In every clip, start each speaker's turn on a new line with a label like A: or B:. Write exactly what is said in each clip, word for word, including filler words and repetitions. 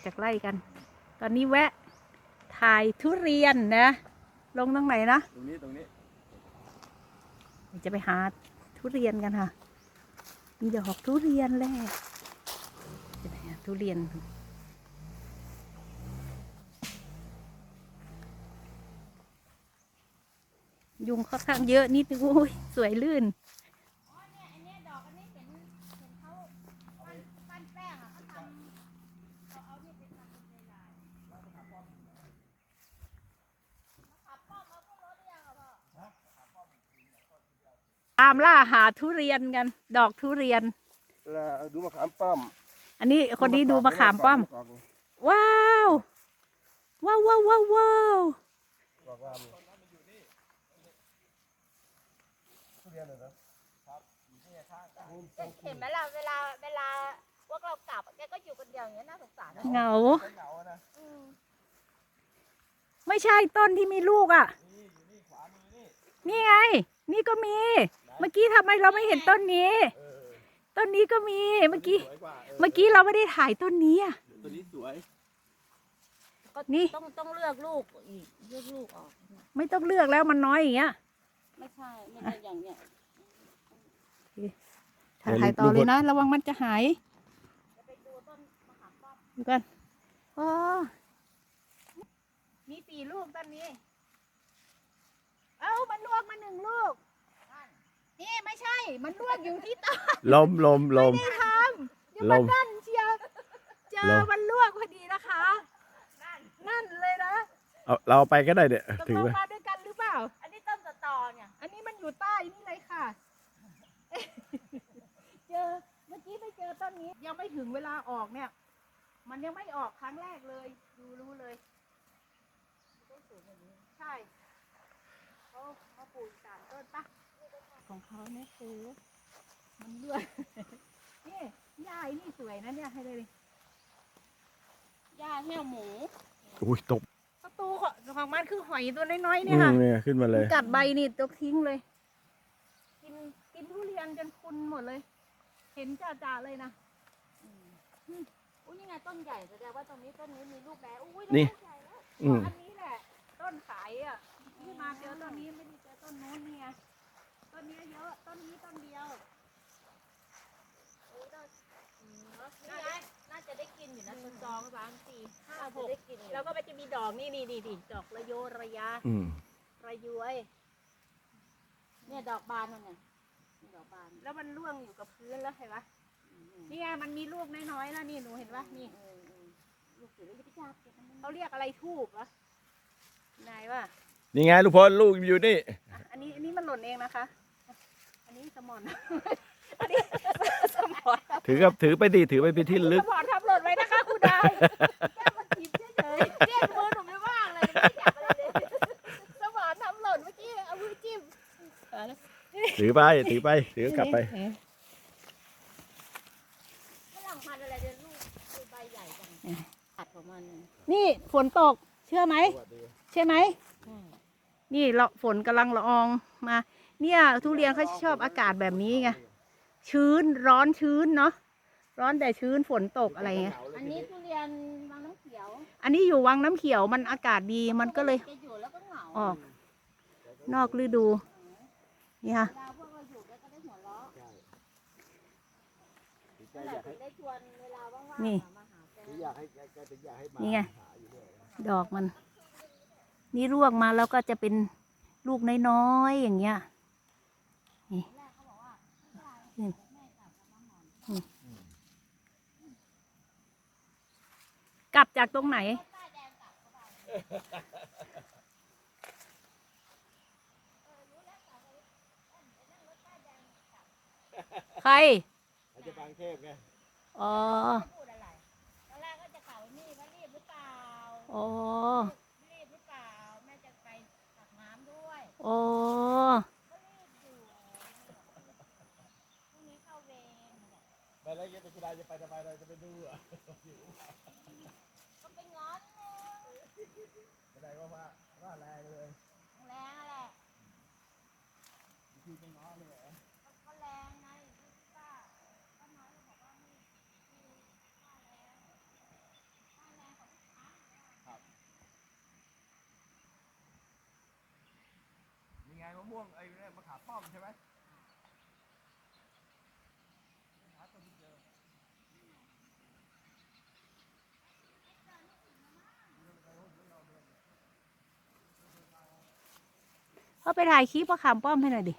A: จากไร่กัน ตอนนี้แวะถ่ายทุเรียนนะ ลงตรงไหนนะ
B: ตรงนี้ตรงนี้
A: จะไปหาทุเรียนกันค่ะ มีดอกทุเรียนแหละจะไปหาทุเรียน ยุงค่อนข้างเยอะนิดนึงโอ้ยสวยลื่นตามล่าหาทุเรียนกัน ดอกทุเรียน
B: ดูมะขามป้อม
A: อันนี้คนนี้ดูมะขามป้อม ว้าวว้าวว้าวว้าวว้าว
C: เห็นไหมล่ะเวลาเวลาพวกเรากลับแกก็อยู่คนเดียวอย่างเงี้ยน่าสงสารนะ
A: เหงาไม่ใช่ต้นที่มีลูกอ่ะ นี่ไง นี่ก็มี เมื่อกี้ทำไมเราไม่เห็นต้นนี้ ต้นนี้ก็มีเมื่อกี้เมื่อกี้เราไม่ได้ถ่ายต้นนี้อ่ะ
B: ต้นนี้สวย
A: นี่
C: ต้องต้องเลือกลูกอีกเลือกลูกออก
A: ไม่ต้องเลือกแล้วมันน้อยอย่างเงี้ย
C: ไม่ใช่ไม่ใช่อย่างเนี้ย
A: ถ่ายต่อเลยนะระวังมันจะหายดูกันอ๋อมีสี่ลูกต้นนี้เอ้ามันลวกมาหนึ่งลูกนี่ไม่ใช่มันลวกอยู่ที่ต้น
B: ลมลมลม
A: ไม่ได้ทำอยู่บนนั่นเชียวเจอมันลวกพอดีนะคะนั่นเลยนะ
B: เอาเราไปก็ได้เนี่ย
A: ถือมาด้วยกันหรือเปล่า
C: อันนี้ต้นตอเนี่ย
A: อันนี้มันอยู่ใต้นี่เลยค่ะเจอเมื่อกี้ไปเจอต้นนี้ยังไม่ถึงเวลาออกเนี่ยมันยังไม่ออกครั้งแรกเลยดูรู้เลยใช่เขาเขาปลูกสารต้นปะของเขาเนี่ยคือมันเลือดนี่หญ้านี่สวยนะเนี่ยให้เลย
C: หญ้าแห้วหมู
B: อุ้ยตก
A: ประตูของมันคือหอยตัวน้อยๆเนี่ยค่ะ
B: เนี่ยขึ้นมาเลย
A: กัดใบนี่ตกทิ้งเลยกินกินทุเรียนจนคุณหมดเลยเห็นจ่าๆเลยนะ
C: อุ้ยนี่ไงต้นใหญ่แสดงว่าตรงนี้ต้นนี้มีลูกแล้วอุ้ย
B: นี่
C: ใหญ่แล้ว
A: อันนี้แหละต้นขายอ่ะที่มาเจอต้นนี้ไม่ได้เจอต้นโน้นเนี่ยต้นนี้เยอะต้นนี้ต้นเดียว
C: นี่ไงน่าจะได้กินอยู่นะต้นสองสามสี่ห้าหก
A: แล้วก็มันจะมีดอกนี่นี่นี่ดอกระโยระยะระย้วย
C: เนี่ยดอกบานมันเนี่ยดอกบาน
A: แล้วมันร่วงอยู่กับพื้นแล้วเห็นปะนี่ไงมันมีลูกน้อยๆแล้วนี่หนูเห็นปะนี่
C: ลูกสวยเลยพี่จ้า
A: เขาเรียกอะไรทูบวะนายวะ
B: นี่ไงลูกพลลูกอยู่นี่
A: อันนี้อันนี้มันหล่นเองนะคะอันนี้สมอนอันนี้สมอน
B: ถือกับถือไปดิถือไปเป็นที่ลึก
A: สมอนทำหล่นไว้นะคะคุณดาวแก้มาจีบเฉยๆเรียกมือหนูไม่ว่างเลยไม่จับอะไรเลยสมอนทำหล่นเมื่อกี้เอามือจิ้ม
B: ถือไปถือไปถือกลับไป
C: ฝรั่งพันธุ์อะไรเดี๋ยวลูกใบใหญ่จังตัดของมัน
A: นี่ฝนตกเชื่อไหมใช่ไหมนี่เราฝนกำลังละอองมาเนี่ยทุเรียนเขาชอบอากาศแบบนี้ไงชื้นร้อนชื้นเนาะร้อนแต่ชื้นฝนตกอะไรเงี้ย
C: อันนี้ทุเรียนวังน้ำเขียว
A: อันนี้อยู่วังน้ำเขียวมันอากาศดีมันก็เลยออกนอกฤดูนี่ค่ะนี่นี่ไงดอกมันนี่ร่วงมาแล้วก็จะเป็นลูกน้อยๆอย่างเงี้ยนี่กลับจากตรงไหนใคร
B: จะบางเทพไง
A: อ๋อ
C: ตอนแรกก็จะเข่านี่ว่ารีบหรือเปล่า
A: อ๋อ
C: รีบหรือเปล่าแม่จะไปตักน้ำด้วย
A: อ๋อ
C: ก็รีบอยู่พรุ่งนี้เข้าเวร
B: ไปแล้วยังเป็นคุณนายจะไปทำไมเราจะไปดูอ่ะ
C: ก็ไปง้อนเลย
B: ไม่ได้ว่าว่าว่าแรงเลย
C: แรงแหละ
B: คือไปง้อเลย
C: ก็แรงไงป้าป้าน้อยบอกว่านี่คือค่าแรงค่าแร
B: ม่วงไอ้มะขามป้อมใช่ไหม
A: เขาไปถ่ายคลิปมะขามป้อมให้หน่อยดิ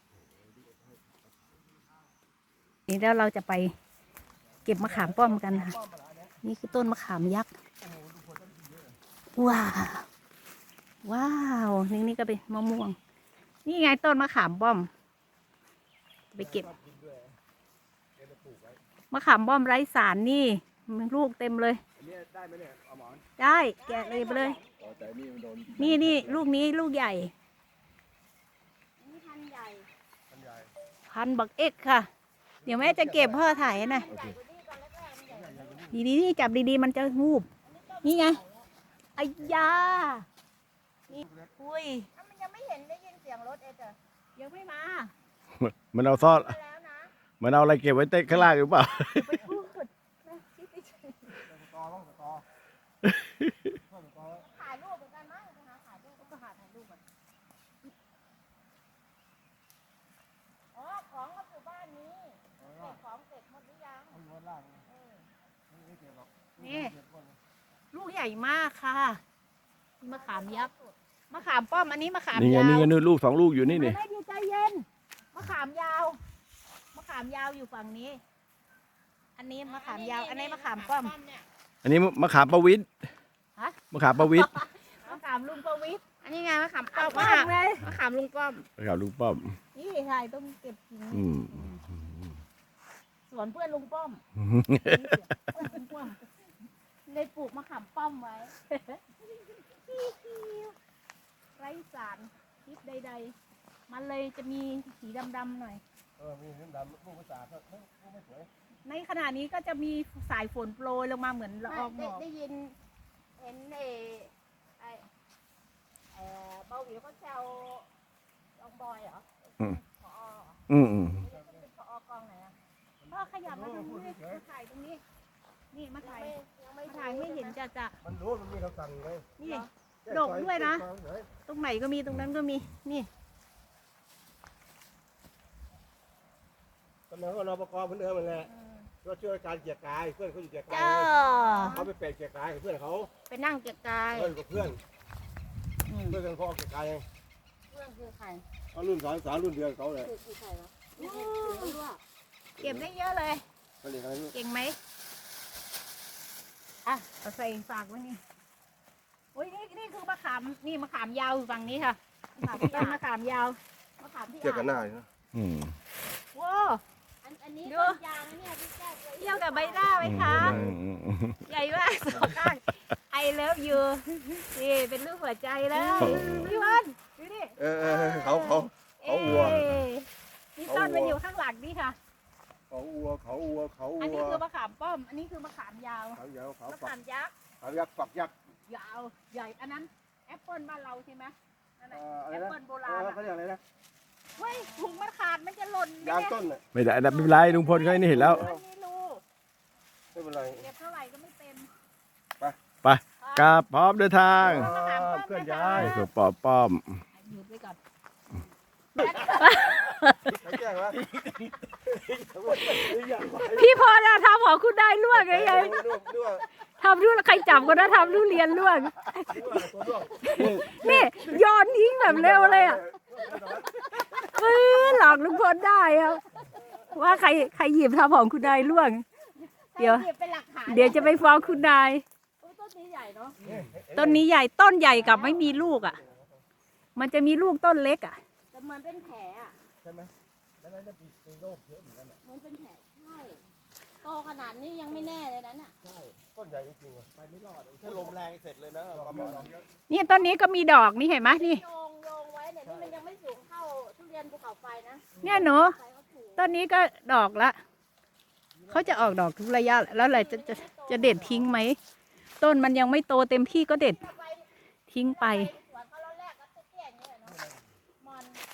A: นี่แล้วเราจะไปเก็บมะขามป้อมกันค่ะนี่คือต้นมะขามยักษ์ว้าวว้าวนี่นี่ก็เป็นมะม่วงนี่ไงต้นมะขามป้อมไปเก็บมะขามป้อมไร้สารนี่มันลูกเต็มเลย
B: อันนี้ได้ไหมเนี่ยเอาหมอน
A: ได้แกะเลยไปเลย
B: อ๋อแต่นี่มันโดน
A: นี่นี่ลูกนี้ลูกใหญ่
C: นี่พันใหญ่
B: มันใหญ่
A: พันบักเอ็กค่ะ เดี๋ยวแม่จะเก็บพ่อถ่ายนะ
C: ใหญ่กว่านี้ตอนแรกๆมันใหญ่กว่านี้
A: ดีๆนี่จับดีๆมันจะงูบนี่ไงไอ้ยานี่อุ้ย
C: อ้าวมันยังไม่เห็นได้ยินเสียงรถเอ็ดเหรอ
A: ยังไม่มา
B: มันเอาซ่อน
C: มาแล้วนะ
B: มันเอาอะไรเก็บไว้เต้นข้างล่างหรือเปล่า
A: ไปพูดนะคิดดิ
C: ถ่ายรูปเหมือนกันมั้งไปหาถ่ายรูปก็หาถ่ายรูปก่อนอ๋อของก็อยู่บ้านนี้เก็บของเก็บหมดหรือยังเออ
A: นี่ลูกใหญ่มากค่ะนี่มะขามยักษ์มะขามป้อมอันนี้มะขาม
B: นี่ไง
A: ยาว
B: นี่ไงนี่ลูกสองลูกอยู่นี่นี่
A: ไม่ดีใจเย็นมะขามยาวมะขามยาวอยู่ฝั่งนี้ อันนี้มะขามยาว อันนี้มะขามป้อม
C: เนี่ย
B: อันนี้มะขามประวิตร
A: ฮะ
B: มะขามประวิตร
A: มะขามลุงประวิตร
C: อันนี้ไงมะขามป้อม
A: ป้อมเลย
C: มะขามลุงป้อม
B: มะขามลูกป้อม
A: นี่ถ่ายต้องเก็บกิ่ง
B: อืม
A: สวนเพื่อนลุงป้อมลุงป้อมเลยปลูกมะขามป้อมไว้ ไร้สารพิษใดๆ มันเลยจะมีสีดำๆหน่อย
B: เออมีน้ำดำลูกภาษาก็ไม่สวย
A: ในขณะนี้ก็จะมีสายฝนโปรยลงมาเหมือนละอองหม
C: ได้
A: อก
C: ได้ยินเห็นเอไอเออเบาหวิวเขาแซวลองบอยเหรอพอ
B: อืมอืม
C: เป็นพอกองไหนอะ
A: พ่อขยับมาตรงนี้มาถ่ายตรงนี้ นี่มาถ่าย
C: ยังไม่
A: มาถ่ายไม่เห็นจะจะ
B: มันรู้มันมีคำสั่งเลย
A: นี่ ดกด้วยนะ ตรงไหนก็มีตรงนั้นก็มี นี่
B: ตอนนั้นก็รอปภเหมือนเดิมมันแหละก็ช่วยการเกียร์กายเพื่อนเขาอยู่เกียร์กาย
C: เจ้า
B: เขาไปเปะเกียร์กายกับเพื่อนเขา
C: ไปนั่งเก็บกาย
B: เพื่อนกับเพื่อนเพื่อนกันเขาเอาเกียร์กาย
C: เพื่อนคือใคร
B: เอารุ่นสามสามรุ่นเดียวเขาเลย
C: คือคือใครวะไม่เห็นคือว่า
A: เก็บได้เยอะเลย
B: เขาเรียกอะไร
A: เก่งไหมอ่ะเอาใส่ฝากไว้นี่โอ้ยนี่นี่คือมะขาม นี่มะขามยาวอยู่ฝั่งนี้ค่ะมะขามต้นมะขามยาว
C: มะขามที่
B: เกี่ยวกับหน้านะอืม
A: ว้า
C: อันอันนี้
A: ดู
C: ต้นยางนะเนี่ยที่แก้ว
A: เที่ยวกับใบหน้าไหมคะ ใหญ่มากสองข้างไอเลิฟยูนี่เป็นรูปหัวใจแล้วพี่วันดูดิ
B: เออเขาเขา เขาวัว
A: เอ้ยนี่ต้นมันอยู่ข้างหลังนี่ค่ะ
B: เขาวัวเขาวัวเขา
A: อัน
B: วั
A: นี้
B: ว
A: คือมะขามป้อม อันนี้คือมะขามยาว
B: เขายาวเขา
A: มะ
B: ฝั
A: ขาก มยักษ์
B: เขายักษ์ฝักยักษ์
A: ยาว ใหญ่ อันนั้นแอปเปิลบ้านเราใช่ไหมนั่นแหละ
B: อะไร
A: แอป
B: นะ
A: เปิลโบราณอะ
B: เขาเรียกอะไรนะ
A: เฮ้ยถุงมันขาดมันจะหล่นไหม
B: ยาง
A: เนี่ย
B: ต้นน่ะไม่ได้ไม่เป็นไรลุงพลเขานี่เห็นแล้ว
A: มันไม่รู้
B: ไม่เป็นไร
A: เก็บเท่าไหร่ก็ไม่เต็ม
B: ไปกราบพร้อมเดินทาง
A: มะขามป้อม
B: เคลื่อน
A: นะคะ
B: ย้ายตัวปอป้อม
A: หยุดไว้ก่อน
B: ใครแจ้งวะ
A: พี่พอจะทำของคุณได้ล่วงไงไง
B: ดูดูว่า
A: ทำรู้ใครจับก็ได้ทำรู้เรียนล่วง
B: ตัวด้วง
A: นี่โยนทิ้งแบบเร็วเลยอ่ะปื้อหลอกลุงพลได้อะว่าใครใครหยิบทำของคุณนายล่วง เดี๋ยว
C: เก็บเป็นหลักฐาน
A: เดี๋ยวจะไปฟ้องคุณนาย
C: โอ้ต้นนี้ใหญ่เนาะ
A: ต้นนี้ใหญ่ต้นใหญ่กับไม่มีลูกอ่ะ มันจะมีลูกต้นเล็กอ่ะ
C: แต่เหมือนเป็นแผลอ่ะ
B: ใช่ไหมแล้วนั่นจะมีโรคเยอะเหมือนกัน
C: เหมือนเป็นแผลใช่โตขนาดนี้ยังไม่แน่เลยนั้นอ่ะ
B: ใช่ต้นใหญ่จริงๆไปไม่รอดถ้าลมแรงเสร็จเลยนะประมาณ
A: นี่ต้นนี้ก็มีดอกนี่เห็นไหมนี่
C: โยงโยงไว้เนี่ยนี่มันยังไม่สูงเท่าทุเรียนภูเขาไฟนะ
A: เนี่ยหนู
C: ไฟเขาถูก
A: ต้นนี้ก็ดอกละเขาจะออกดอกทุกระยะแล้วอะไรจะจะจะเด็ดทิ้งไหมต้นมันยังไม่โตเต็มที่ก็เด็ด
C: ไฟ
A: ทิ้งไป
C: สวนเขาแล้วแรกก็เตี้ยๆอย่างเงี้ยเนาะมัน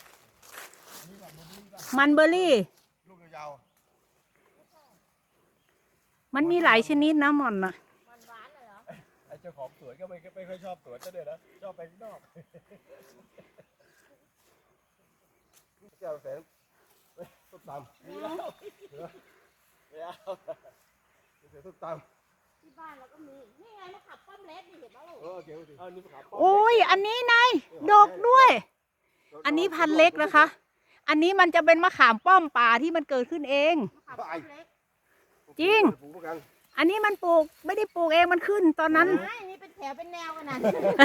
A: มันเบอร์รี่
B: ลูกยาว
A: มันมีหลายชนิดนะหม่อนนะ
C: มันหวานเลยเหรอ
B: ไอ้เจ้าของสวนก็ไม่ไม่ค่อยชอบสวนก็เลยนะชอบไปข้างนอกแก้วแสนต้มตำนี่แล้วไม่เอาเสียต้มตำ
C: ที่บ้านเราก็มีนี่ไงมะขามป้อมเล็กนี่เห็นไหมลูก
B: เออเกี่ยวดิเอานี่ขาว
A: โอ้ยอันนี้นายดกด้วย อันนี้พันธุ์เล็กนะคะ อันนี้มันจะเป็นมะขามป้อมป่าที่มันเกิดขึ้นเอง
C: มะขามป้อมเล็ก
A: จริง
B: ปลูกกัน
A: อันนี้มันปลูกไม่ได้ปลูกเองมันขึ้นตอนนั้น
C: ไม่นี่เป็นแถวเป็นแนวกันนะ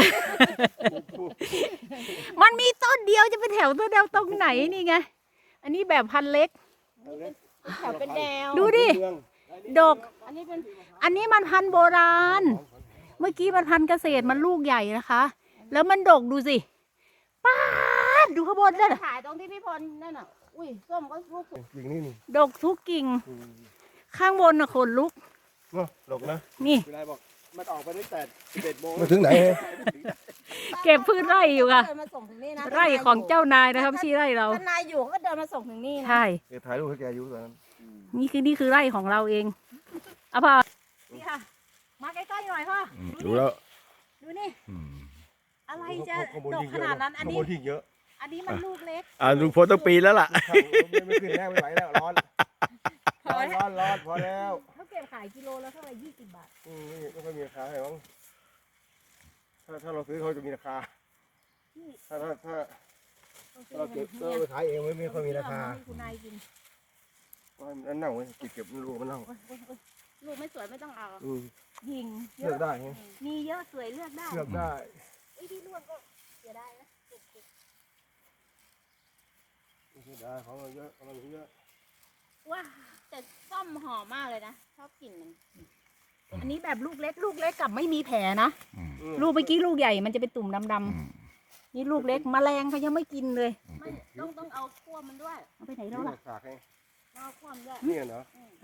A: มันมีต้นเดียวจะไปแถวต้นเดียวตรงไหนนี่ไง อันนี้แบบพันธุ์เล็ก
C: เป็นแถวเป็นแนว
A: ดูดิ ดก
C: อันนี้เป็น
A: อันนี้มันพันธุ์โบราณ เมื่อกี้มันพันธุ์เกษตรมันลูกใหญ่นะคะ แล้วมันดกดูสิป้าดดูข้างบนนั่นน่ะ
C: ถ่ายตรงที่พี่พลนั่นน่ะอุ้ยส้มก็ลูก
B: กิ่งนี่นี่
A: ดกทุกกิ่ง ข้างบนน่ะขนลุก
B: เนาะดกนะ
A: นี่
B: เวลาบอกมันออกไปตั้งแต่สิบเอ็ดโมงมาถึงไหน
A: เก็บพืชไร่อยู่ค่ะ
C: เดินมาส่งถึงนี่นะ
A: ไร่ของเจ้านายนะครับที่ไร่เรา
C: ถ้านายอยู่เขาก็เดินมาส่งถึงนี่นะ
A: ใช่
B: เดี๋ยวถ่ายรูปให้แกอยู่ตอนนั้น
A: นี่คือนี่คือไร่ของเราเองเอาพอนี่ค่ะ มาใกล้ๆหน่อยพ่อ
B: ดูแล้ว
A: ดูนี่ อะไรจะ
B: ข้างบ
A: ดก
B: ยิ่ง
A: ขนาดนั้น อัน
B: ข้าง
A: นี้
B: บนที่เยอะ
A: อันนี้มันลูกเล็ก
D: อ่าลุงพลต้องปีนแล้วล่ะ
B: ไม่ขึ้นแล้วไม่ไหวแล้วร้อนร้อนร้อนร้อนพอแล้ว
A: เขาเก็บขายกิโลละเท่าไหร่ยี่สิบบาท
B: อืมไม่ค่อยมีราคาให้มั้งถ้าถ้าเราซื้อเขาจะมีราคา ถ้าถ้าถ้าเราเก็บเราไปขายเองไม่ไม่ค่อยมีราคา
A: ให้คุณนายกิน
B: อันเน่าเว้ยเก็บเก็บลูกมันเน่า
C: โอ๊ยโอ๊ยโอ๊ยลูกไม่สวยไม่ต้องเอา
B: อืม
A: ยิงเย
B: เลือก
A: อะ
B: ได้ไง
A: มีเยอะสวยเลือกได้
B: เลือกได้
C: ไอ้ที่ร่วงก็เสียดายนะ
B: เลือกได้ของเราเยอะของเราเยอะ
C: ว้าแต่ส้มหอมมากเลยนะชอบกลิ่นมัน
A: อันนี้แบบลูกเล็ก ลูกเล็กกับไม่มีแผลนะ
B: อืม
A: ลูกเมื่อกี้ลูกใหญ่มันจะเป็นตุ่มดำๆนี่ลูกเล็กแมลงเขายังไม่กินเลย
C: ไม่ต้องต้องเอาคั่วมันด้วย
A: เอาไปไหน
B: นี่
A: แล้วล่ะ
B: ฝากให้
C: ต้องเอาคั่วมันด้วย
B: นี่เหรอมา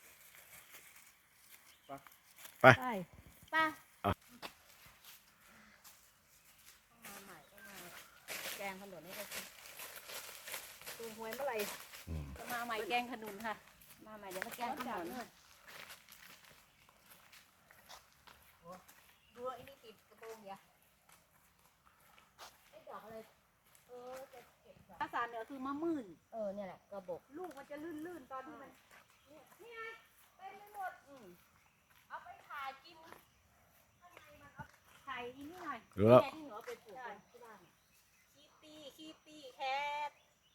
A: ใช่
C: ไป้า
A: มาใหม่ก็มาแกงขนุนให้เขากินดูหวยเมื่อไหร่จะมาใหม่แกงขนุนค่ะ
C: มาใหม่เดี๋ยวมาแกงขนม
A: ดูไอ้นี่ติดกระโปรงอย่า
C: ไอ้ดอกอะไรเออจะเก็บดอก
A: ภาษาเหนือคือมะมื่น
C: เออเนี่ยแหละกระบอก
A: ลูกมันจะลื่นๆตอนที่มัน
C: นี่ไงเต็มไปหมดอืมเอาไปถ่ายกิน
A: ไข่อีนี่หน่อย
D: รู้แล้ว
C: แม่ที่หนูเอาไปปลูกกันที่บ้าน
A: คีตี้คีตี้แคท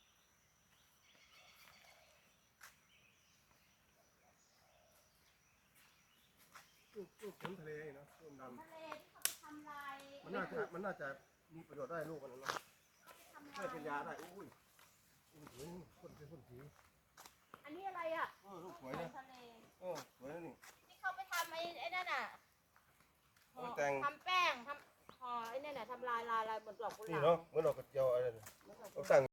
B: ลูกลูกขุนทะเลเนาะลูกดำ
C: ทะเลที่เขาไปทำลาย
B: มันน่าจะมันน่าจะมีประโยชน์ได้ลูกมันนะช่วยเป็นยาได้อุ้ยอุ้ยคนเป็นคนผิว
C: อันนี้อะไรอ่ะ
B: เออลูกสวยนะ
C: ทะเล
B: เออสวยนะนี่
C: ที่เขาไปทำไอ้ไอ้นั่นน่ะ
B: เอาไปแต่ง
C: ทำแป้งทำห่อไอ้นั่นน่ะทำลายลายลายเหมือนดอกกุห
B: นี่
C: ลาบ
B: เนาะเหมือนดอกกระเจียวอะไรเนี่ยต้องสั่ง